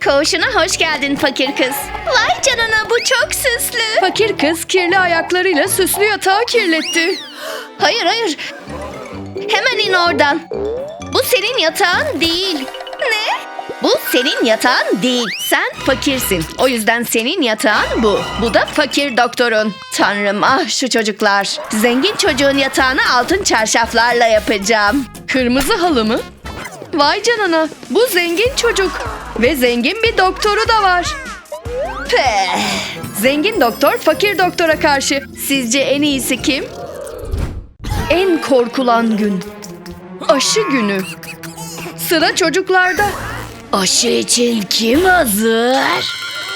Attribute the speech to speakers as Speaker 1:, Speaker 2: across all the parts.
Speaker 1: Koğuşuna hoş geldin fakir kız. Vay canına, bu çok süslü.
Speaker 2: Fakir kız kirli ayaklarıyla süslü yatağı kirletti.
Speaker 1: Hayır. Hemen in oradan. Bu senin yatağın değil. Ne? Bu senin yatağın değil. Sen fakirsin. O yüzden senin yatağın bu. Bu da fakir doktorun. Tanrım, ah şu çocuklar. Zengin çocuğun yatağını altın çarşaflarla yapacağım.
Speaker 2: Kırmızı halı mı? Vay canına, bu zengin çocuk. Ve zengin bir doktoru da var.
Speaker 1: Peh.
Speaker 2: Zengin doktor fakir doktora karşı.
Speaker 1: Sizce en iyisi kim?
Speaker 2: En korkulan gün. Aşı günü. Sıra çocuklarda.
Speaker 1: Aşı için kim hazır?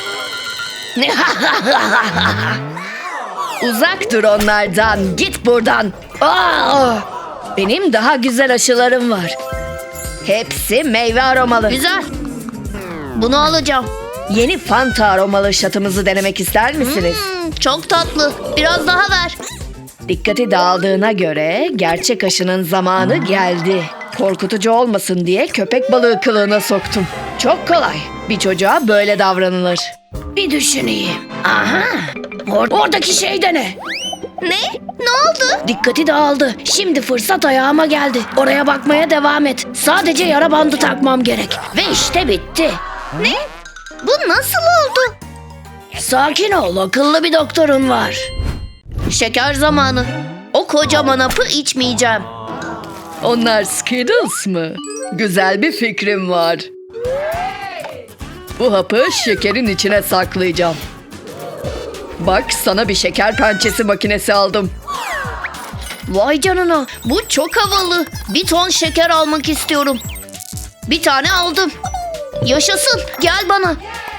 Speaker 1: Uzak dur onlardan. Git buradan. Benim daha güzel aşılarım var. Hepsi meyve aromalı. Güzel. Bunu alacağım. Yeni Fanta aromalı şatımızı denemek ister misiniz? Çok tatlı. Biraz daha ver. Dikkati dağıldığına göre gerçek aşının zamanı geldi. Korkutucu olmasın diye köpek balığı kılığına soktum. Çok kolay. Bir çocuğa böyle davranılır. Bir düşüneyim. Aha. Oradaki şey de ne? Ne? Ne oldu? Dikkati dağıldı. Şimdi fırsat ayağıma geldi. Oraya bakmaya devam et. Sadece yara bandı takmam gerek. Ve işte bitti. Ne? Bu nasıl oldu? Sakin ol. Akıllı bir doktorun var. Şeker zamanı. O kocaman hapı içmeyeceğim.
Speaker 2: Onlar Skittles mı? Güzel bir fikrim var. Bu hapı şekerin içine saklayacağım. Bak, sana bir şeker pençesi makinesi aldım.
Speaker 1: Vay canına, bu çok havalı. Bir ton şeker almak istiyorum. Bir tane aldım. Yaşasın, gel bana.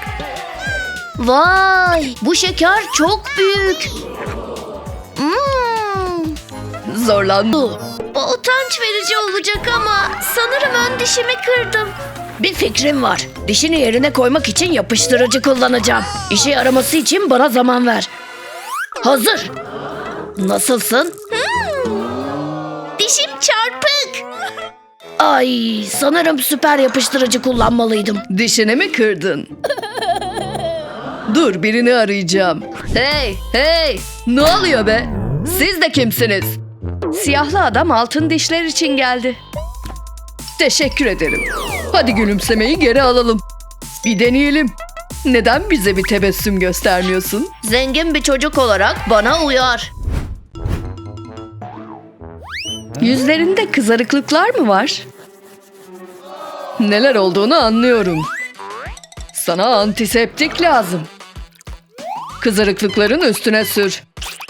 Speaker 1: Vay, bu şeker çok büyük.
Speaker 2: Zorlandım.
Speaker 1: Bu utanç verici olacak ama sanırım ön dişimi kırdım. Bir fikrim var. Dişini yerine koymak için yapıştırıcı kullanacağım. İşe yaraması için bana zaman ver. Hazır. Nasılsın? Dişim çarpık. Ay, sanırım süper yapıştırıcı kullanmalıydım.
Speaker 2: Dişini mi kırdın? Dur, birini arayacağım. Hey! Ne oluyor be? Siz de kimsiniz? Siyahlı adam altın dişler için geldi. Teşekkür ederim. Hadi gülümsemeyi geri alalım. Bir deneyelim. Neden bize bir tebessüm göstermiyorsun?
Speaker 1: Zengin bir çocuk olarak bana uyar.
Speaker 2: Yüzlerinde kızarıklıklar mı var? Neler olduğunu anlıyorum. Sana antiseptik lazım. Kızarıklıkların üstüne sür.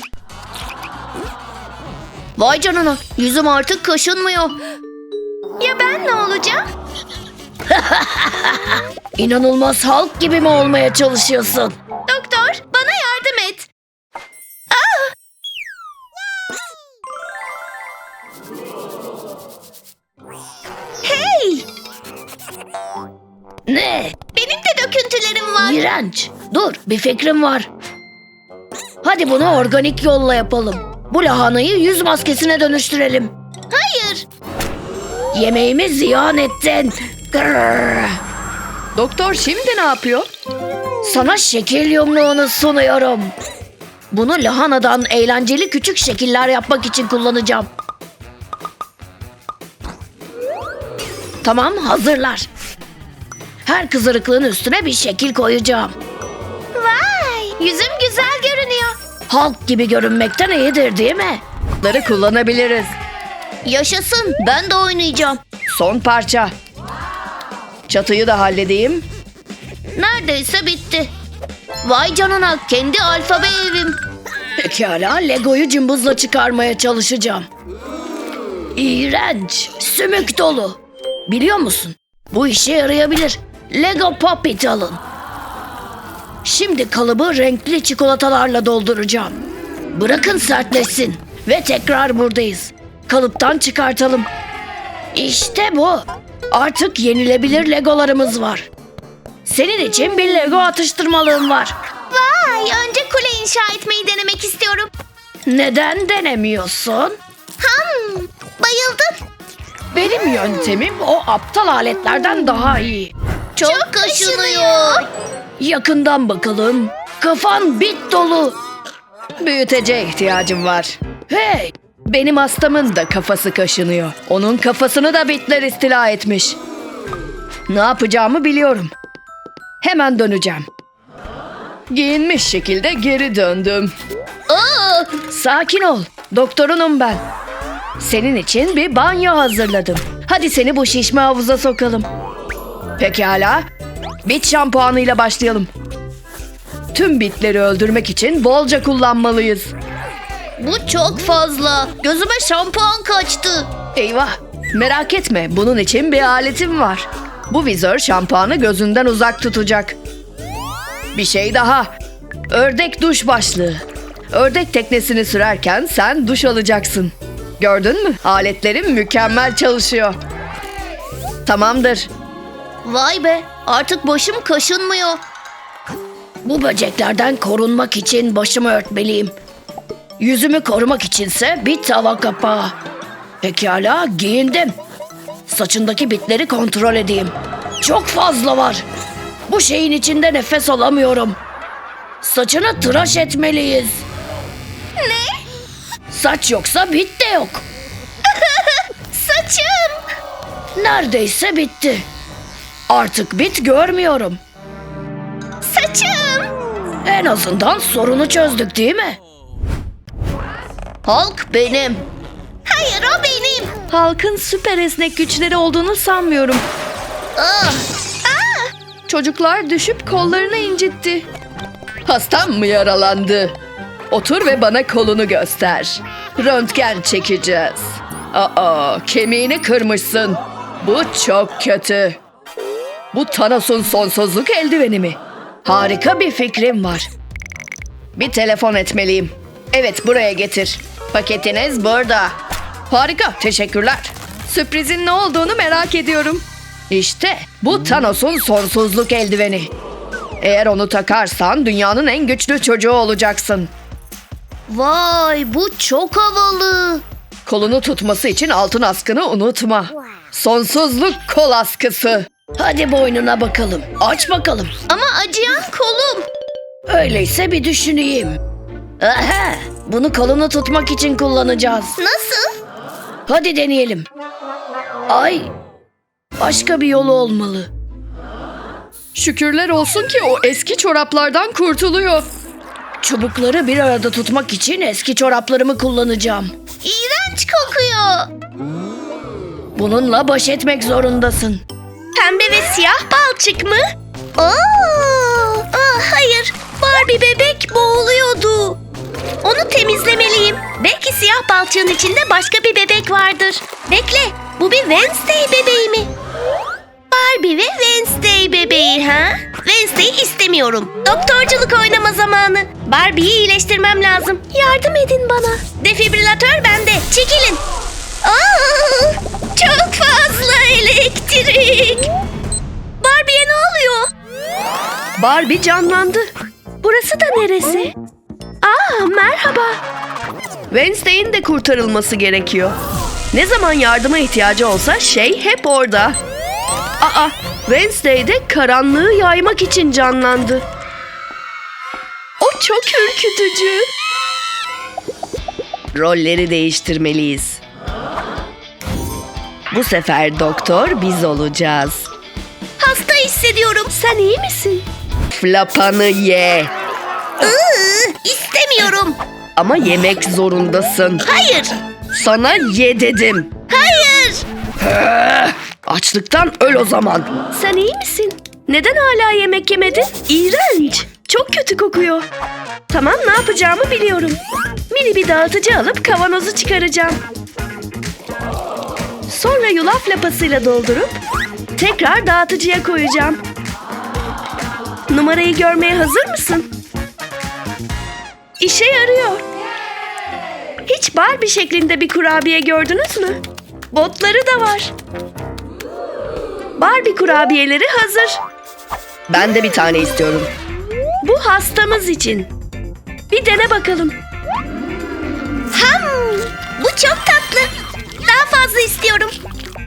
Speaker 1: Vay canına, yüzüm artık kaşınmıyor. Ya ben ne olacağım? İnanılmaz Hulk gibi mi olmaya çalışıyorsun? Doktor, bana yardım et. Hey! Ne? Benim de döküntülerim var. İğrenç. Dur, bir fikrim var. Hadi bunu organik yolla yapalım. Bu lahanayı yüz maskesine dönüştürelim. Hayır. Yemeğimi ziyan ettin. Grrr.
Speaker 2: Doktor şimdi ne yapıyor?
Speaker 1: Sana şekil yumruğunu sunuyorum. Bunu lahanadan eğlenceli küçük şekiller yapmak için kullanacağım. Tamam, hazırlar. Her kızarıklığın üstüne bir şekil koyacağım. Vay, yüzüm güzel görünüyor. Hulk gibi görünmekten iyidir değil mi?
Speaker 2: Bunları kullanabiliriz.
Speaker 1: Yaşasın, ben de oynayacağım.
Speaker 2: Son parça. Çatıyı da halledeyim.
Speaker 1: Neredeyse bitti. Vay canına, kendi alfabe evim. Pekala, Lego'yu cımbızla çıkarmaya çalışacağım. İğrenç, sümük dolu. Biliyor musun? Bu işe yarayabilir. Lego Pop-It alın. Şimdi kalıbı renkli çikolatalarla dolduracağım. Bırakın sertleşsin. Ve tekrar buradayız. Kalıptan çıkartalım. İşte bu. Artık yenilebilir Legolarımız var. Senin için bir Lego atıştırmalığım var. Vay, önce kule inşa etmeyi denemek istiyorum. Neden denemiyorsun? Bayıldım. Benim yöntemim o aptal aletlerden daha iyi. Çok kaşınıyor. Yakından bakalım. Kafan bit dolu.
Speaker 2: Büyüteceğe ihtiyacım var.
Speaker 1: Hey!
Speaker 2: Benim hastamın da kafası kaşınıyor. Onun kafasını da bitler istila etmiş. Ne yapacağımı biliyorum. Hemen döneceğim. Giyinmiş şekilde geri döndüm.
Speaker 1: Aa!
Speaker 2: Sakin ol. Doktorunum ben. Senin için bir banyo hazırladım. Hadi seni bu şişme havuza sokalım. Pekala. Bit şampuanıyla başlayalım. Tüm bitleri öldürmek için bolca kullanmalıyız.
Speaker 1: Bu çok fazla. Gözüme şampuan kaçtı.
Speaker 2: Eyvah. Merak etme. Bunun için bir aletim var. Bu vizör şampuanı gözünden uzak tutacak. Bir şey daha. Ördek duş başlığı. Ördek teknesini sürerken sen duş alacaksın. Gördün mü? Aletlerim mükemmel çalışıyor. Tamamdır.
Speaker 1: Vay be, artık başım kaşınmıyor. Bu böceklerden korunmak için başımı örtmeliyim. Yüzümü korumak içinse bir tava kapağı. Pekala, giyindim. Saçındaki bitleri kontrol edeyim. Çok fazla var. Bu şeyin içinde nefes alamıyorum. Saçını tıraş etmeliyiz. Ne? Saç yoksa bit de yok. Saçım. Neredeyse bitti. Artık bit görmüyorum. Saçım. En azından sorunu çözdük değil mi? Hulk benim. Hayır, o benim.
Speaker 2: Halkın süper esnek güçleri olduğunu sanmıyorum.
Speaker 1: Ah.
Speaker 2: Çocuklar düşüp kollarını incitti. Hastam mı yaralandı? Otur ve bana kolunu göster. Röntgen çekeceğiz. Aa, kemiğini kırmışsın. Bu çok kötü. Bu Thanos'un sonsuzluk eldiveni mi? Harika bir fikrim var. Bir telefon etmeliyim. Evet, buraya getir. Paketiniz burada. Harika, teşekkürler. Sürprizin ne olduğunu merak ediyorum. İşte bu Thanos'un sonsuzluk eldiveni. Eğer onu takarsan dünyanın en güçlü çocuğu olacaksın.
Speaker 1: Vay, bu çok havalı.
Speaker 2: Kolunu tutması için altın askını unutma. Sonsuzluk kol askısı.
Speaker 1: Hadi boynuna bakalım. Aç bakalım. Ama acıyan kolum. Öyleyse bir düşüneyim. Aha, bunu kolunu tutmak için kullanacağız. Nasıl? Hadi deneyelim. Ay, başka bir yolu olmalı.
Speaker 2: Şükürler olsun ki o eski çoraplardan kurtuluyor.
Speaker 1: Çubukları bir arada tutmak için eski çoraplarımı kullanacağım. İğrenç kokuyor. Bununla baş etmek zorundasın. Pembe ve siyah balçık mı? Hayır, Barbie bebek boğuluyordu. Onu temizlemeliyim. Belki siyah balçığın içinde başka bir bebek vardır. Bekle, bu bir Wednesday bebeği mi? Barbie ve Wednesday bebeği ha? Wednesday'i istemiyorum. Doktorculuk oynama zamanı. Barbie'yi iyileştirmem lazım. Yardım edin bana. Defibrilatör bende. Çekilin. Aa, çok fazla elektrik. Barbie'ye ne oluyor?
Speaker 2: Barbie canlandı.
Speaker 1: Burası da neresi? Merhaba.
Speaker 2: Wednesday'in de kurtarılması gerekiyor. Ne zaman yardıma ihtiyacı olsa şey hep orada. Wednesday de karanlığı yaymak için canlandı. O çok ürkütücü. Rolleri değiştirmeliyiz. Bu sefer doktor biz olacağız.
Speaker 1: Hasta hissediyorum. Sen iyi misin?
Speaker 2: Flapanı ye.
Speaker 1: İstemiyorum.
Speaker 2: Ama yemek zorundasın.
Speaker 1: Hayır.
Speaker 2: Sana ye dedim.
Speaker 1: Hayır.
Speaker 2: Açlıktan öl o zaman.
Speaker 1: Sen iyi misin? Neden hala yemek yemedin? İğrenç. Çok kötü kokuyor. Tamam, ne yapacağımı biliyorum. Mini bir dağıtıcı alıp kavanozu çıkaracağım. Sonra yulaf lapasıyla doldurup tekrar dağıtıcıya koyacağım. Numarayı görmeye hazır mısın? İşe yarıyor. Hiç Barbie şeklinde bir kurabiye gördünüz mü? Botları da var. Barbie kurabiyeleri hazır.
Speaker 2: Ben de bir tane istiyorum.
Speaker 1: Bu hastamız için. Bir dene bakalım. Bu çok tatlı. Daha fazla istiyorum.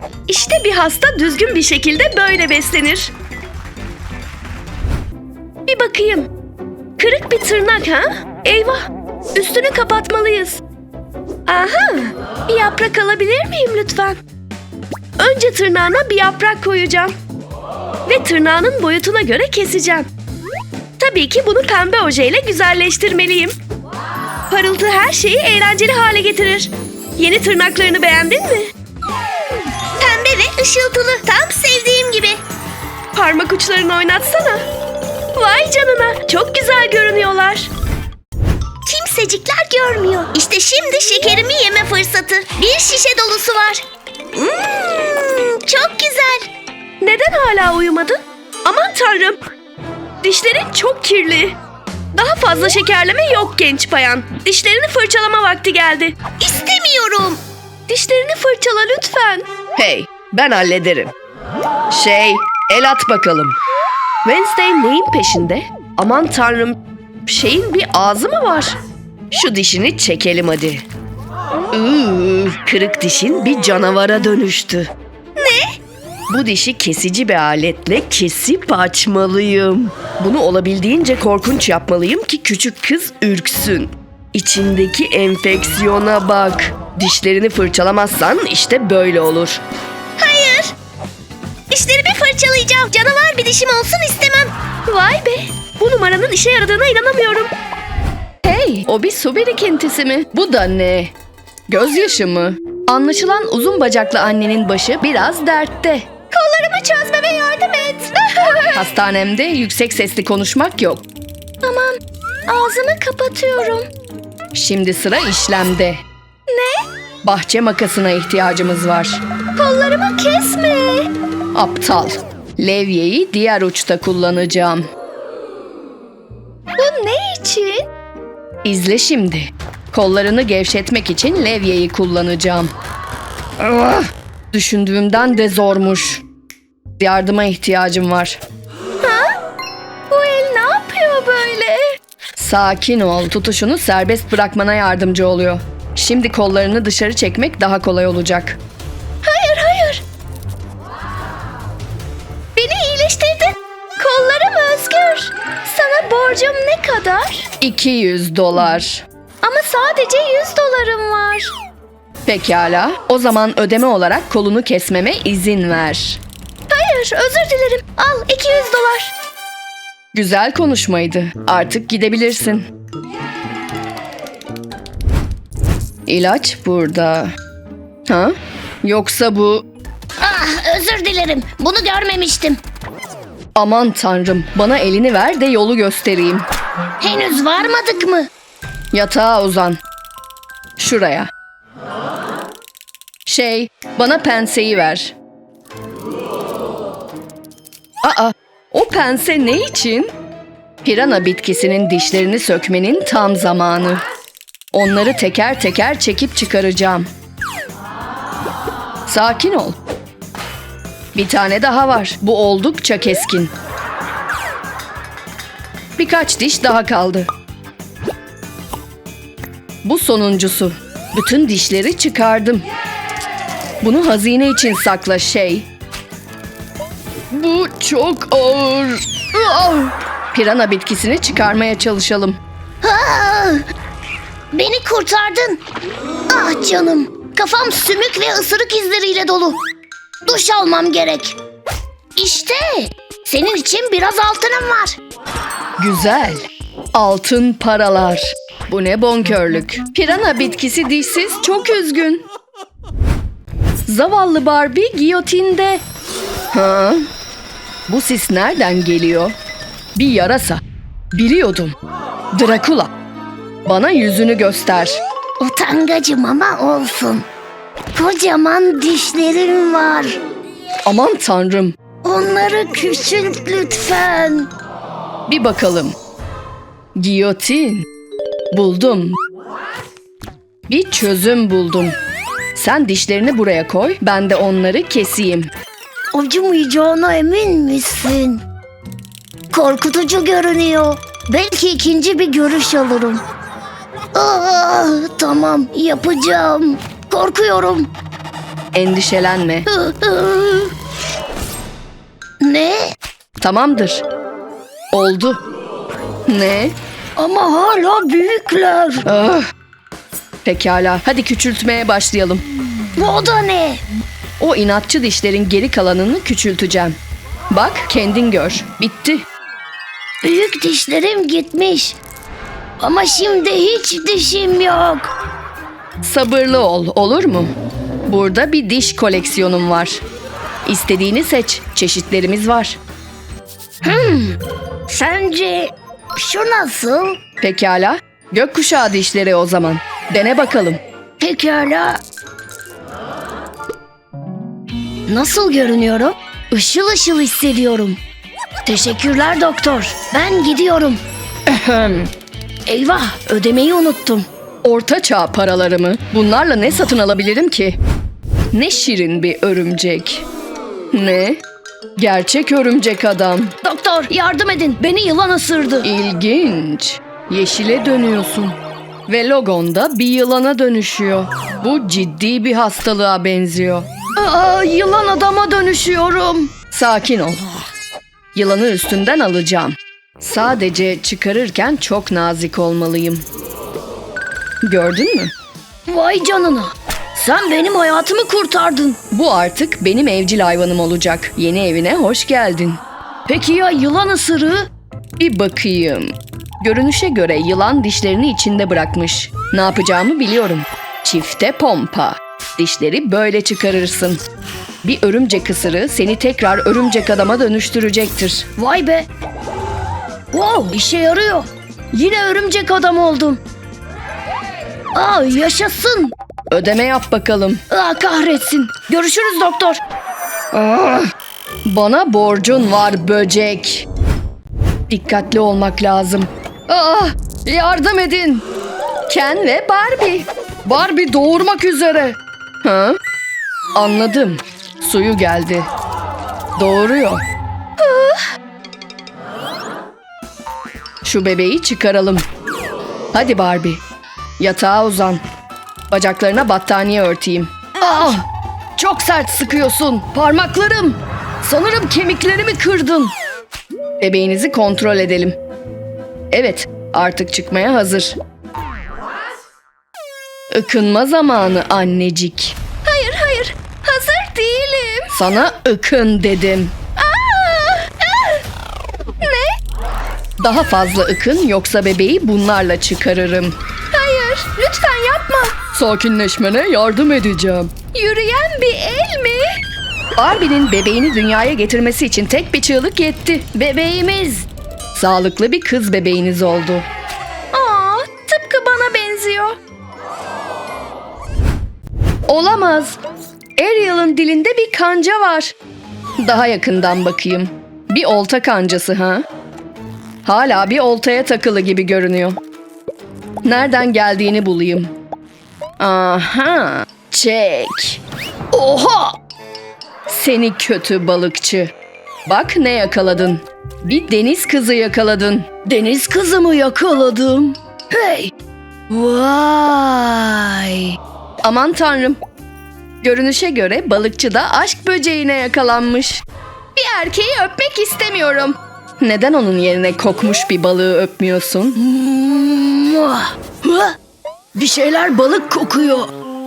Speaker 1: İşte bir hasta düzgün bir şekilde böyle beslenir. bakayım. Kırık bir tırnak ha? Eyvah! Üstünü kapatmalıyız. Aha! Bir yaprak alabilir miyim lütfen? Önce tırnağına bir yaprak koyacağım. Ve tırnağının boyutuna göre keseceğim. Tabii ki bunu pembe ojeyle güzelleştirmeliyim. Parıltı her şeyi eğlenceli hale getirir. Yeni tırnaklarını beğendin mi? Pembe ve ışıltılı. Tam sevdiğim gibi. Parmak uçlarını oynatsana. Vay canına. Çok güzel görünüyorlar. Kimsecikler görmüyor. İşte şimdi şekerimi yeme fırsatı. Bir şişe dolusu var. Çok güzel. Neden hala uyumadın? Aman tanrım. Dişlerin çok kirli. Daha fazla şekerleme yok genç bayan. Dişlerini fırçalama vakti geldi. İstemiyorum. Dişlerini fırçala lütfen.
Speaker 2: Hey, ben hallederim. El at bakalım.
Speaker 1: Wednesday neyin peşinde? Aman tanrım. Şeyin bir ağzı mı var?
Speaker 2: Şu dişini çekelim hadi. Kırık dişin bir canavara dönüştü.
Speaker 1: Ne?
Speaker 2: Bu dişi kesici bir aletle kesip açmalıyım. Bunu olabildiğince korkunç yapmalıyım ki küçük kız ürksün. İçindeki enfeksiyona bak. Dişlerini fırçalamazsan işte böyle olur.
Speaker 1: Hayır. Dişlerimi fırçalayacağım. Canavar bir dişim olsun istemem. Vay be. Bu numaranın işe yaradığına inanamıyorum.
Speaker 2: Hey, o bir su birikintisi mi? Bu da ne? Gözyaşı mı? Anlaşılan uzun bacaklı annenin başı biraz dertte.
Speaker 1: Kollarımı çözmeme yardım et.
Speaker 2: Hastanemde yüksek sesli konuşmak yok.
Speaker 1: Tamam. Ağzımı kapatıyorum.
Speaker 2: Şimdi sıra işlemde.
Speaker 1: Ne?
Speaker 2: Bahçe makasına ihtiyacımız var.
Speaker 1: Kollarımı kesme.
Speaker 2: Aptal. Levyeyi diğer uçta kullanacağım.
Speaker 1: Bu ne için?
Speaker 2: İzle şimdi. Kollarını gevşetmek için levyeyi kullanacağım. Ah, düşündüğümden de zormuş. Yardıma ihtiyacım var.
Speaker 1: Bu el ne yapıyor böyle?
Speaker 2: Sakin ol. Tutuşunu serbest bırakmana yardımcı oluyor. Şimdi kollarını dışarı çekmek daha kolay olacak.
Speaker 1: Hayır, hayır. Beni iyileştirdin. Kollarım özgür. Sana borcum ne kadar?
Speaker 2: $200.
Speaker 1: Ama sadece $100 var.
Speaker 2: Pekala. O zaman ödeme olarak kolunu kesmeme izin ver.
Speaker 1: Hayır, özür dilerim. Al $200.
Speaker 2: Güzel konuşmaydı. Artık gidebilirsin. İlaç burada. Ha? Yoksa bu...
Speaker 1: Ah, özür dilerim. Bunu görmemiştim.
Speaker 2: Aman tanrım, bana elini ver de yolu göstereyim.
Speaker 1: Henüz varmadık mı?
Speaker 2: Yatağa uzan. Şuraya. Bana penseyi ver. Aa, o pense ne için? Pirana bitkisinin dişlerini sökmenin tam zamanı. Onları teker teker çekip çıkaracağım. Sakin ol. Bir tane daha var. Bu oldukça keskin. Birkaç diş daha kaldı. Bu sonuncusu. Bütün dişleri çıkardım. Bunu hazine için sakla Bu çok ağır. Pirana bitkisini çıkarmaya çalışalım.
Speaker 1: Beni kurtardın. Ah canım. Kafam sümük ve ısırık izleriyle dolu. Duş almam gerek. İşte senin için biraz altınım var.
Speaker 2: Güzel. Altın paralar. Bu ne bonkörlük. Pirana bitkisi dişsiz, çok üzgün. Zavallı Barbie giyotinde. Ha? Bu sis nereden geliyor? Bir yarasa. Biliyordum. Drakula. Bana yüzünü göster.
Speaker 1: Utangacım ama olsun. Kocaman dişlerim var.
Speaker 2: Aman tanrım.
Speaker 1: Onları küçült lütfen.
Speaker 2: Bir bakalım. Giyotin. Buldum. Bir çözüm buldum. Sen dişlerini buraya koy, ben de onları keseyim.
Speaker 1: Acımayacağına emin misin? Korkutucu görünüyor. Belki ikinci bir görüş alırım. Tamam, yapacağım. Korkuyorum.
Speaker 2: Endişelenme.
Speaker 1: Ne?
Speaker 2: Tamamdır. Oldu. Ne?
Speaker 1: Ama hala büyükler.
Speaker 2: Ah. Pekala, hadi küçültmeye başlayalım.
Speaker 1: Bu da ne?
Speaker 2: O inatçı dişlerin geri kalanını küçülteceğim. Bak, kendin gör. Bitti.
Speaker 1: Büyük dişlerim gitmiş. Ama şimdi hiç dişim yok.
Speaker 2: Sabırlı ol, olur mu? Burada bir diş koleksiyonum var. İstediğini seç, çeşitlerimiz var.
Speaker 1: Sence şu nasıl?
Speaker 2: Pekala, gökkuşağı dişleri o zaman. Dene bakalım.
Speaker 1: Pekala. Nasıl görünüyorum? Işıl ışıl hissediyorum. Teşekkürler doktor. Ben gidiyorum. Eyvah, ödemeyi unuttum.
Speaker 2: Orta çağ paralarımı bunlarla ne satın alabilirim ki? Ne şirin bir örümcek. Ne? Gerçek örümcek adam.
Speaker 1: Doktor, yardım edin. Beni yılan ısırdı.
Speaker 2: İlginç. Yeşile dönüyorsun. Ve logon da bir yılana dönüşüyor. Bu ciddi bir hastalığa benziyor.
Speaker 1: Yılan adama dönüşüyorum.
Speaker 2: Sakin ol. Yılanı üstünden alacağım. Sadece çıkarırken çok nazik olmalıyım. Gördün mü?
Speaker 1: Vay canına. Sen benim hayatımı kurtardın.
Speaker 2: Bu artık benim evcil hayvanım olacak. Yeni evine hoş geldin.
Speaker 1: Peki ya yılan ısırığı?
Speaker 2: Bir bakayım. Görünüşe göre yılan dişlerini içinde bırakmış. Ne yapacağımı biliyorum. Çifte pompa. Dişleri böyle çıkarırsın. Bir örümcek ısırığı seni tekrar örümcek adama dönüştürecektir.
Speaker 1: Vay be. Wow, işe yarıyor. Yine örümcek adam oldum. Yaşasın.
Speaker 2: Ödeme yap bakalım.
Speaker 1: Kahretsin. Görüşürüz doktor.
Speaker 2: Bana borcun var böcek. Dikkatli olmak lazım. Yardım edin. Ken ve Barbie. Barbie doğurmak üzere. Ha? Anladım. Suyu geldi. Doğuruyor. Şu bebeği çıkaralım. Hadi Barbie. Yatağa uzan. Bacaklarına battaniye örteyim. Çok sert sıkıyorsun. Parmaklarım. Sanırım kemiklerimi kırdın. Bebeğinizi kontrol edelim. Evet, artık çıkmaya hazır. Ikınma zamanı annecik.
Speaker 1: Hayır. Hazır değilim.
Speaker 2: Sana ıkın dedim.
Speaker 1: Ne?
Speaker 2: Daha fazla ıkın yoksa bebeği bunlarla çıkarırım.
Speaker 1: Hayır. Lütfen yapma.
Speaker 2: Sakinleşmene yardım edeceğim.
Speaker 1: Yürüyen bir el mi?
Speaker 2: Barbie'nin bebeğini dünyaya getirmesi için tek bir çığlık yetti.
Speaker 1: Bebeğimiz.
Speaker 2: Sağlıklı bir kız bebeğiniz oldu.
Speaker 1: Tıpkı bana benziyor.
Speaker 2: Olamaz. Ariel'ın dilinde bir kanca var. Daha yakından bakayım. Bir olta kancası ha? Hala bir oltaya takılı gibi görünüyor. Nereden geldiğini bulayım. Aha, çek.
Speaker 1: Oha!
Speaker 2: Seni kötü balıkçı. Bak ne yakaladın. Bir deniz kızı yakaladın.
Speaker 1: Deniz kızımı yakaladım. Hey! Vay!
Speaker 2: Aman tanrım. Görünüşe göre balıkçı da aşk böceğine yakalanmış. Bir erkeği öpmek istemiyorum. Neden onun yerine kokmuş bir balığı öpmüyorsun?
Speaker 1: Bir şeyler balık kokuyor.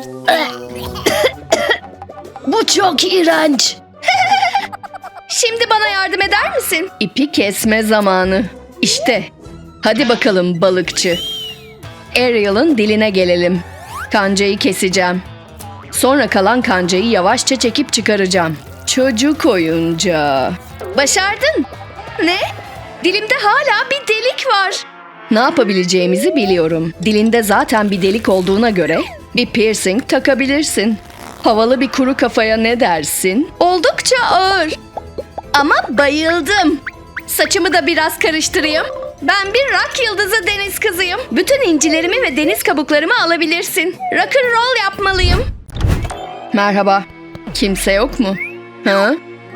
Speaker 1: Bu çok iğrenç.
Speaker 2: Şimdi bana yardım eder misin? İpi kesme zamanı. İşte. Hadi bakalım balıkçı. Ariel'ın diline gelelim. Kancayı keseceğim. Sonra kalan kancayı yavaşça çekip çıkaracağım. Çocuk oyuncağı. Başardın. Ne? Dilimde hala bir delik var. Ne yapabileceğimizi biliyorum. Dilinde zaten bir delik olduğuna göre bir piercing takabilirsin. Havalı bir kuru kafaya ne dersin? Oldukça ağır. Ama bayıldım. Saçımı da biraz karıştırayım. Ben bir rock yıldızı deniz kızıyım. Bütün incilerimi ve deniz kabuklarımı alabilirsin. Rock and roll yapmalıyım. Merhaba. Kimse yok mu? Ha?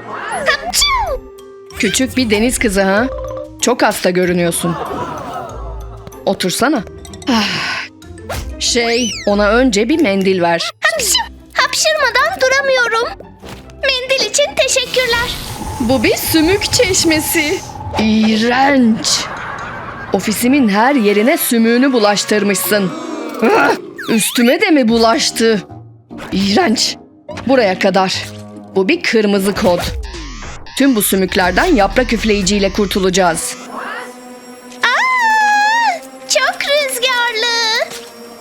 Speaker 2: Küçük bir deniz kızı ha? Çok hasta görünüyorsun. Otursana. Ona önce bir mendil ver.
Speaker 1: Hapşırmadan duramıyorum. Mendil için teşekkürler.
Speaker 2: Bu bir sümük çeşmesi. İğrenç. Ofisimin her yerine sümüğünü bulaştırmışsın. Ah! Üstüme de mi bulaştı? İğrenç. Buraya kadar. Bu bir kırmızı kod. Tüm bu sümüklerden yaprak üfleyiciyle kurtulacağız.
Speaker 1: Çok rüzgarlı.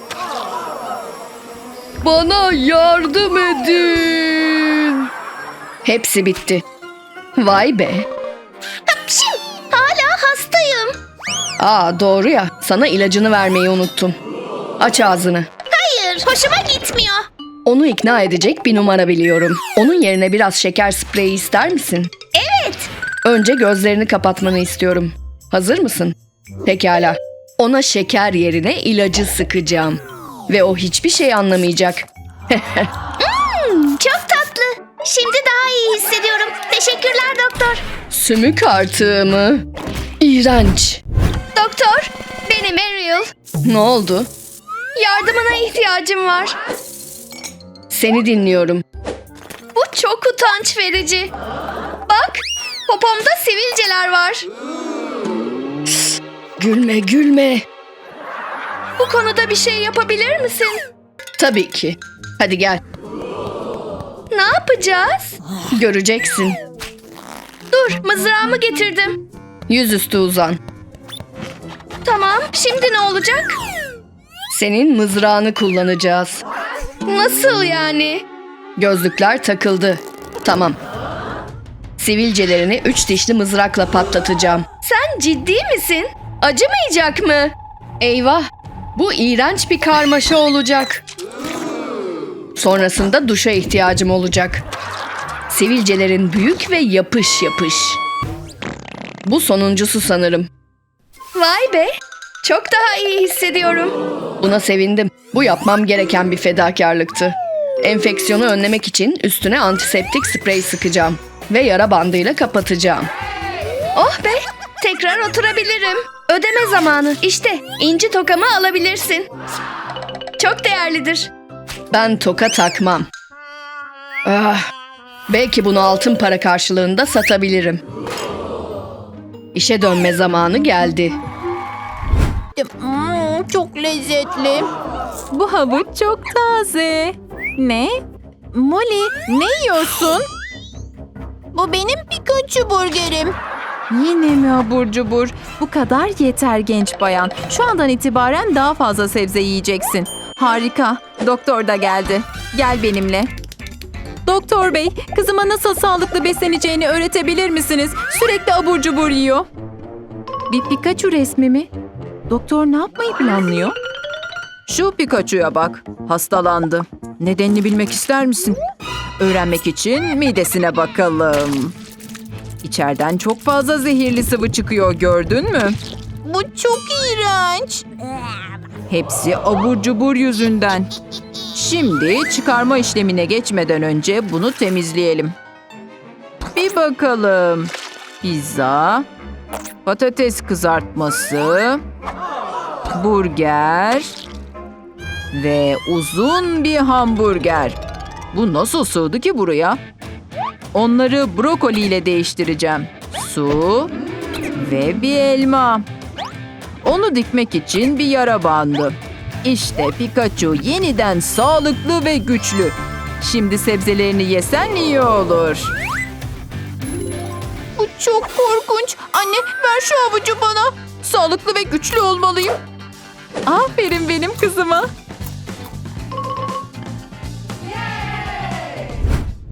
Speaker 2: Bana yardım edin. Hepsi bitti. Vay be.
Speaker 1: Hapşim, hala hastayım.
Speaker 2: Aa doğru ya. Sana ilacını vermeyi unuttum. Aç ağzını.
Speaker 1: Hayır, hoşuma gitmiyor.
Speaker 2: Onu ikna edecek bir numara biliyorum. Onun yerine biraz şeker spreyi ister misin?
Speaker 1: Evet.
Speaker 2: Önce gözlerini kapatmanı istiyorum. Hazır mısın? Pekala. Ona şeker yerine ilacı sıkacağım. Ve o hiçbir şey anlamayacak.
Speaker 1: Çok tatlı. Şimdi daha iyi hissediyorum. Teşekkürler doktor.
Speaker 2: Sümük artığı mı? İğrenç.
Speaker 1: Doktor, benim Ariel.
Speaker 2: Ne oldu?
Speaker 1: Yardımına ihtiyacım var.
Speaker 2: Seni dinliyorum.
Speaker 1: Bu çok utanç verici. Bak, popomda sivilceler var.
Speaker 2: Gülme gülme.
Speaker 1: Bu konuda bir şey yapabilir misin?
Speaker 2: Tabii ki. Hadi gel.
Speaker 1: Ne yapacağız?
Speaker 2: Göreceksin.
Speaker 1: Dur, mızrağımı getirdim.
Speaker 2: Yüzüstü uzan.
Speaker 1: Tamam, şimdi ne olacak?
Speaker 2: Senin mızrağını kullanacağız.
Speaker 1: Nasıl yani?
Speaker 2: Gözlükler takıldı. Tamam. Sivilcelerini 3 dişli mızrakla patlatacağım.
Speaker 1: Sen ciddi misin? Acımayacak mı?
Speaker 2: Eyvah! Bu iğrenç bir karmaşa olacak. Sonrasında duşa ihtiyacım olacak. Sivilcelerin büyük ve yapış yapış. Bu sonuncusu sanırım.
Speaker 1: Vay be, çok daha iyi hissediyorum.
Speaker 2: Buna sevindim. Bu yapmam gereken bir fedakarlıktı. Enfeksiyonu önlemek için üstüne antiseptik sprey sıkacağım. Ve yara bandıyla kapatacağım.
Speaker 1: Oh be, tekrar oturabilirim. Ödeme zamanı. İşte inci tokamı alabilirsin. Çok değerlidir.
Speaker 2: Ben toka takmam. Ah, belki bunu altın para karşılığında satabilirim. İşe dönme zamanı geldi.
Speaker 3: Çok lezzetli. Bu havuç çok taze. Ne? Molly, ne yiyorsun? Bu benim Pikachu burgerim. Yine mi abur cubur? Bu kadar yeter genç bayan. Şu andan itibaren daha fazla sebze yiyeceksin. Harika. Doktor da geldi. Gel benimle. Doktor bey, kızıma nasıl sağlıklı besleneceğini öğretebilir misiniz? Sürekli abur cubur yiyor. Bir Pikachu resmi mi? Doktor ne yapmayı planlıyor? Şu Pikachu'ya bak. Hastalandı. Nedenini bilmek ister misin? Öğrenmek için midesine bakalım. İçeriden çok fazla zehirli sıvı çıkıyor, gördün mü? Bu çok iğrenç. Hepsi abur cubur yüzünden. Şimdi çıkarma işlemine geçmeden önce bunu temizleyelim. Bir bakalım. Pizza, patates kızartması, burger ve uzun bir hamburger. Bu nasıl sığdı ki buraya? Onları brokoli ile değiştireceğim. Su ve bir elma. Onu dikmek için bir yara bandı. İşte Pikachu yeniden sağlıklı ve güçlü. Şimdi sebzelerini yesen iyi olur. Bu çok korkunç. Anne ver şu havucu bana. Sağlıklı ve güçlü olmalıyım. Aferin benim kızıma.